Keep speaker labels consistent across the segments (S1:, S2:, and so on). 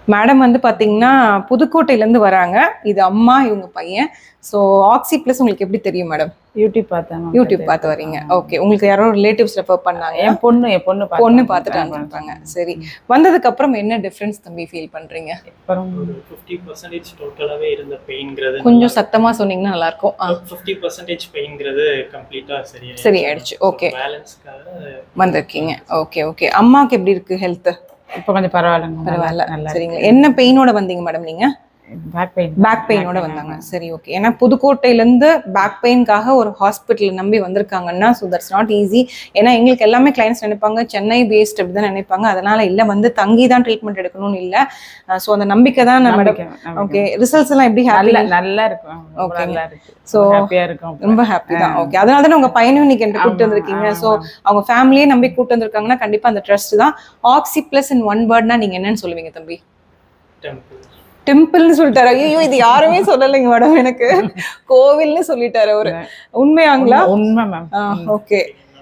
S1: Madam வந்து பார்த்தீங்கன்னா புதுக்கோட்டையிலேருந்து வராங்க. இது அம்மா, இவங்க பையன். ஸோ ஆக்ஸி ப்ளஸ் உங்களுக்கு எப்படி தெரியும் மேடம்?
S2: யூடியூப் பார்த்தேன்.
S1: யூடியூப் பார்த்து வரீங்க. ஓகே. உங்களுக்கு யாரோ ரிலேட்டிவ்ஸ் ரெஃபர் பண்ணாங்க?
S2: என் பொண்ணு
S1: பார்த்துட்டு அனுப்பிருப்பாங்க. சரி. வந்ததுக்கு அப்புறம் என்ன டிஃபரன்ஸ் தம்பி ஃபீல் பண்றீங்க?
S3: அப்புறம் 50% டோட்டலாவே இருந்த பெயின்ங்கிறது
S1: கொஞ்சம் சத்தமா சொன்னீங்கன்னா நல்லா இருக்கும்.
S3: 50% பெயின்ங்கிறது கம்ப்ளீட்டா
S1: சரியாயிடுச்சு. ஓகே.
S3: பேலன்ஸ்க்காக
S1: வந்திருக்கீங்க. Okay okay. அம்மாக்கு எப்படி இருக்கு ஹெல்த்?
S2: இப்போ கொஞ்சம் பரவாயில்லைங்க.
S1: பரவாயில்ல. சரிங்க. என்ன பெயினோட வந்தீங்க மேடம் நீங்க? பேக் பெயினோட வந்தாங்க. சரி, ஓகே. ஏன்னா புதுக்கோட்டையிலேருந்து பேக் பெயின்காக ஒரு ஹாஸ்பிட்டல் நம்பி வந்திருக்காங்கன்னா ஸோ தட்ஸ் நாட் ஈஸி. ஏன்னா எங்களுக்கு எல்லாமே கிளைண்ட்ஸ் நினைப்பாங்க சென்னை பேஸ்ட் அப்படி தான் நினைப்பாங்க. அதனால இல்லை வந்து தங்கி தான் ட்ரீட்மெண்ட் எடுக்கணும்னு இல்லை. ஸோ அந்த நம்பிக்கை தான் நம்ம. ஓகே. ரிசல்ட்ஸ் எல்லாம் எப்படி?
S2: நல்லா இருக்கும்.
S1: ஓகே. ஸோ ரொம்ப ஹாப்பி தான். ஓகே. அதனால தானே உங்க பையனும் இன்னைக்கு என்கிட்ட கூப்பிட்டு வந்திருக்கீங்க. ஸோ அவங்க ஃபேமிலியே நம்பி கூப்பிட்டு வந்திருக்காங்கன்னா கண்டிப்பா அந்த ட்ரஸ்ட் தான். ஆக்ஸி பிளஸ் இன் ஒன் வேர்ட்னா நீங்க என்னன்னு சொல்லுவீங்க தம்பி? டெம்பிள்னு சொல்லிட்டாரு. ஐயோ இது யாருமே சொல்லலைங்க மேடம். எனக்கு கோவில்னு சொல்லிட்டாரு அவரு. உண்மையாங்களா?
S2: உண்மை மேம்.
S1: ஓகே.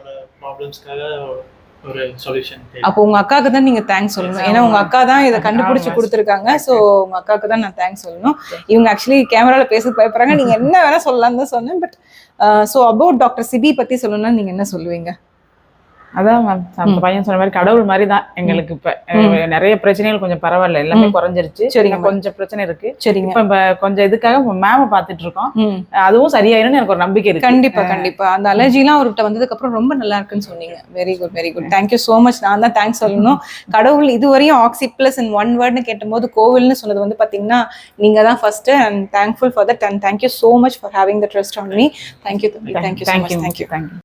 S3: ஒரு சொல்யூஷன்.
S1: அப்போ உங்க அக்காவுக்கு தான் நீங்க தேங்க்ஸ் சொல்லணும். ஏன்னா உங்க அக்கா தான் இதை கண்டுபிடிச்சு கொடுத்துருக்காங்க. ஸோ உங்க அக்காவுக்கு தான் நான் தேங்க்ஸ் சொல்லணும். இவங்க ஆக்சுவலி கேமரால பேச பயப்படுறாங்க. நீங்க என்ன வேணா சொல்லலாம்னு தான் சொன்னேன். But so about doctor Sibi பத்தி சொல்லணும்னா நீங்க என்ன சொல்லுவீங்க?
S2: அதான் மேம் அந்த பையன் சொன்ன மாதிரி கடவுள் மாதிரி தான் எங்களுக்கு. இப்ப நிறைய பிரச்சனைகள் கொஞ்சம் பரவாயில்ல, எல்லாமே குறைஞ்சிருச்சு. சரிங்க. கொஞ்சம் பிரச்சனை இருக்கு. சரிங்க. இப்ப கொஞ்சம் இதுக்காக மேம பாத்துட்டு இருக்கோம். அதுவும் சரியாயிரும்னு எனக்கு ஒரு நம்பிக்கை இருக்கு.
S1: கண்டிப்பா கண்டிப்பா. அந்த அலர்ஜி எல்லாம் அவர்கிட்ட வந்ததுக்கு அப்புறம் ரொம்ப நல்லா இருக்குன்னு சொன்னீங்க. Very good very good. Thank you so much. நான் தான் தேங்க்ஸ் சொல்லணும். கடவுள் இதுவரையும் ஆக்ஸி பிளஸ் இன் ஒன் வேர்ட்னு கேட்டபோது கோவில்னு சொன்னது வந்து பாத்தீங்கன்னா நீங்க தான் first. And thankful for that. And thank you so much for having the trust on me. Thank you. Thank you so much. Thank you.